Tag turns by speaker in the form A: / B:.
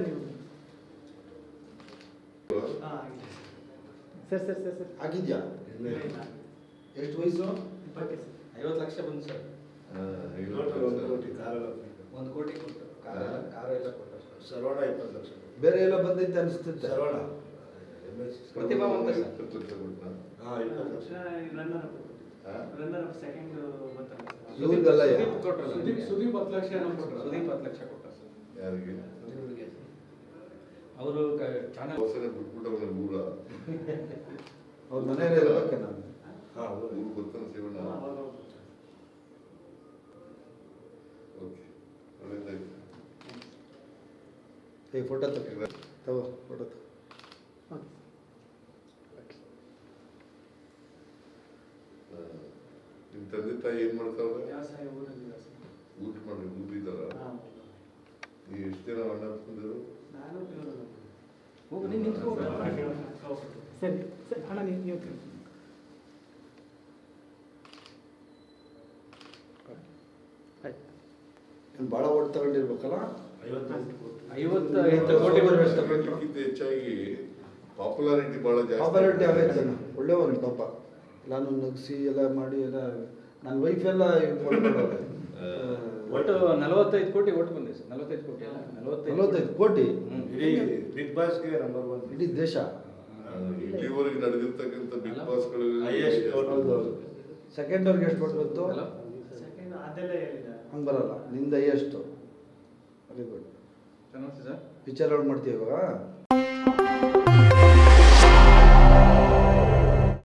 A: ನೀವು ಸರ್
B: ಆಗಿದ್ಯಾ? ಎಷ್ಟು ವಯಸ್ಸು?
C: 50 ಲಕ್ಷ ಬಂತು ಸರ್.
D: 1 ಕೋಟಿ ಕಾರೆಲ್ಲ
C: 1 ಕೋಟಿ ಕೊಟ್ಟು ಕಾರ ಎಲ್ಲ ಕೊಟ್ಟು ಸರ್.
D: ಸರ್ವಣ 20 ಲಕ್ಷ.
B: ಬೇರೆ ಎಲ್ಲ ಬಂದೈತೆ ಅನಿಸ್ತೈತೆ.
D: ಸರ್ವಣ
C: ಪ್ರತಿಭಾವಂತ ಸರ್.
D: 20 ಲಕ್ಷ.
A: ರನ್ನರ್ ಸೆಕೆಂಡ್
B: ಇವ್ರಿಗೆಲ್ಲ
A: ಸುದೀಪ್ 10 ಲಕ್ಷ
C: ಸುದೀಪ್ 10 ಲಕ್ಷ ಕೊಟ್ಟ ಸರ್.
E: ಯಾರಿಗೆ?
C: ಅವರು ಚಾನಲ್
E: ಊರ
B: ಅವ್ರ ಮನೆಯಲ್ಲಿ ಇರ್ಬೇಕೆ ನಾನು.
E: ಊರು ಗೊತ್ತಾನ ಶಿವಣ್ಣ. ಓಕೆ, ಒಳ್ಳೆದಾಯ್ತು.
B: ಫೋಟೋ ತಗೋ ಫೋಟೋ ತಗೋ.
E: ನಿಮ್ಮ ತಂದೆ ತಾಯಿ ಏನ್ ಮಾಡ್ತಾವ್ರೆ?
A: ವ್ಯವಸಾಯ ಊರಲ್ಲಿ
E: ಊಟ ಮಾಡಿ ಊರಿದಾರ? ನೀವು ಎಷ್ಟು ಜನ ಅಣ್ಣ ತಂದಿರು?
A: ನಾನು
C: ಹೋಗಿ ನೀನು ನಿಂತ್ಕೋ.
A: ಸರಿ ಸರಿ ಅಣ್ಣ ನೀವು
B: ಭಾಳ ಓಟ್ ತಗೊಂಡಿರ್ಬೇಕಲ್ಲ.
C: 55 ಕೋಟಿ ಬರಬೇಕು.
E: ಅದಕ್ಕಿಂತ ಹೆಚ್ಚಾಗಿ ಪಾಪ್ಯುಲಾರಿಟಿ ಬಹಳ ಜಾಸ್ತಿ.
B: ಪಾಪ್ಯುಲಾರಿಟಿ ಆಗೈತೆ. ಒಳ್ಳೆಯವನು ಪಾಪ. ನಾನು ನಗಿಸಿ ಎಲ್ಲ ಮಾಡಿ ಎಲ್ಲ ನನ್ನ ವೈಫ್ ಎಲ್ಲ
C: ಒಟ್ಟು 45 ಕೋಟಿ ಒಟ್ಟು ಬಂದಿದೆ ಸರ್. 45 ಕೋಟಿ ಅಲ್ಲ,
B: 45 ಕೋಟಿ
D: ಇಡೀ ಬಿಗ್ ಬಾಸ್ಗೆ ನಂಬರ್ 1
B: ಇಡೀ ದೇಶ.
E: ಇಲ್ಲಿವರೆಗೆ ನಡೆದಿರ್ತಕ್ಕಂಥ ಬಿಗ್ ಬಾಸ್ಗಳು
D: Highest vote.
B: ಹೌದು. ಸೆಕೆಂಡ್ ಅವ್ರಿಗೆ ಎಷ್ಟು ಕೊಟ್ಟು ಬಂತು?
A: ಸೆಕೆಂಡ್ ಅದೆಲ್ಲ ಹೇಳಿದ
B: ಹಂಗೆ ಬರಲ್ಲ. ನಿಂದ ಎಷ್ಟು? Very good.
C: ಚೆನ್ನಾಗಿ ಸರ್.
B: ಪಿಕ್ಚರ್ ಔಟ್ ಮಾಡ್ತೀವಿ ಇವಾಗ.